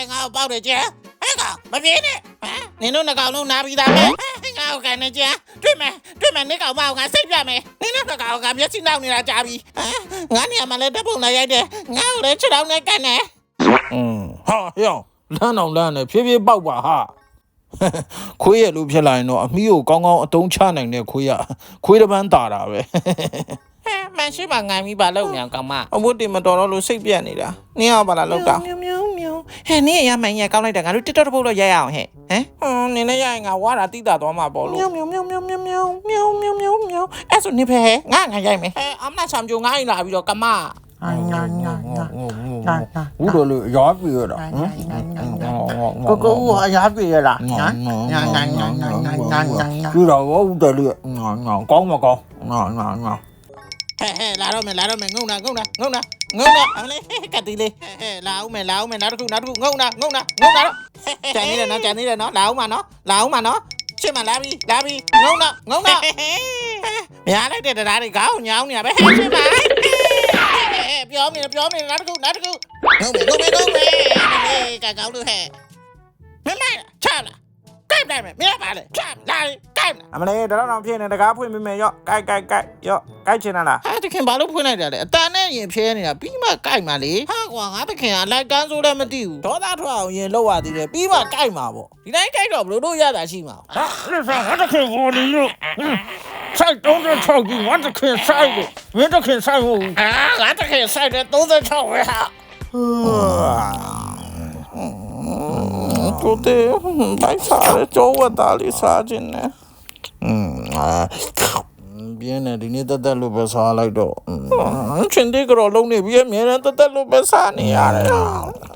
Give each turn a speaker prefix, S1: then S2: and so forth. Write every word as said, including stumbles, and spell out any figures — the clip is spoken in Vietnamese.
S1: ngao bao để chưa hé ngao mà biết nè nè nó ngao nó na bị đam mẹ ngao cái này chưa truy mẹ truy mẹ nè ngao bao ngao xếp ra mẹ nè nó ngao ngao biết xin đâu nè là chả bị ngán nhà mà lên đáp bụng này vậy nè ngao lên chứ đâu nè cái nè
S2: ừ ha hiểu lan nào lan này phía phía bao bà ha khuya lúc phía lại nó mi có con ngon đông cha này nè khuya khuya đó bán tả ra vậy
S1: mẹ xí bà ngày mi bà lâu nè cầm mà
S2: ông muốn tìm mà đó nó xếp biển này đã nè bà là lâu đâu
S1: miêu miêu miêu hè nè nhà mày nhà cao này đằng nào tít tít bố lo dây ảo hè hả
S2: nè nè nhà ngào quá là tí ta đó mà bỏ
S1: miêu miêu miêu miêu miêu miêu miêu miêu miêu miêu ê số nè hè ngã ngã dây mày ấm này xăm vô ngã lại bây giờ cầm mà
S2: ú đồ lựa gió bì rồi đó
S1: cô cô gió bì rồi đó
S2: cứ đầu có ú đồ lựa ngon ngon con mà con ngon ngon ngon
S1: lá đâu mày lá đâu mày ngông nè ngông nè ngông nè ngông nè ăn lấy cả tí đi lão mày lão mày lão nó nó ngông nè ngông nè ngông nè chạy đi là nó chạy đi là nó lão mà nó lão mà nó chứ mà lá bi lá bi ngông nè ngông nè nhà đấy để đá để cáo nhau nè bé chứ mà bióm này bióm này nó nó nó ngông mày ngông mày ngông mày cả cáo đưa hè mày mày chả là cái này mày mẹ bà này chả lại cái này
S2: à mà này đó nó phía này đã cá phơi mày mày yo cái cái cái yo cái trên nào là
S1: à thì khi bảo lúc phơi này là ta này nhìn phía này là bí mà cái mà đi ha quảng á thì khi lại can số đây mà tiêu
S2: đó ta thôi nhìn lâu à thì bí mà cái mà bộ
S1: thì đấy cái đó nó đôi ra là gì mà
S2: à cái sao nó cái vô đi luôn sai đúng rồi thôi thì nó cái cái sai rồi nó cái cái sai rồi
S1: à nó cái cái sai rồi đúng rồi thôi hả
S2: tôi thế bãi xả đấy chỗ vào ta đi xả trên này biết này thì nên tất lúc bây xả lại đó chuyện đi cái đó lâu này biết miếng tất tất lúc bây xả này à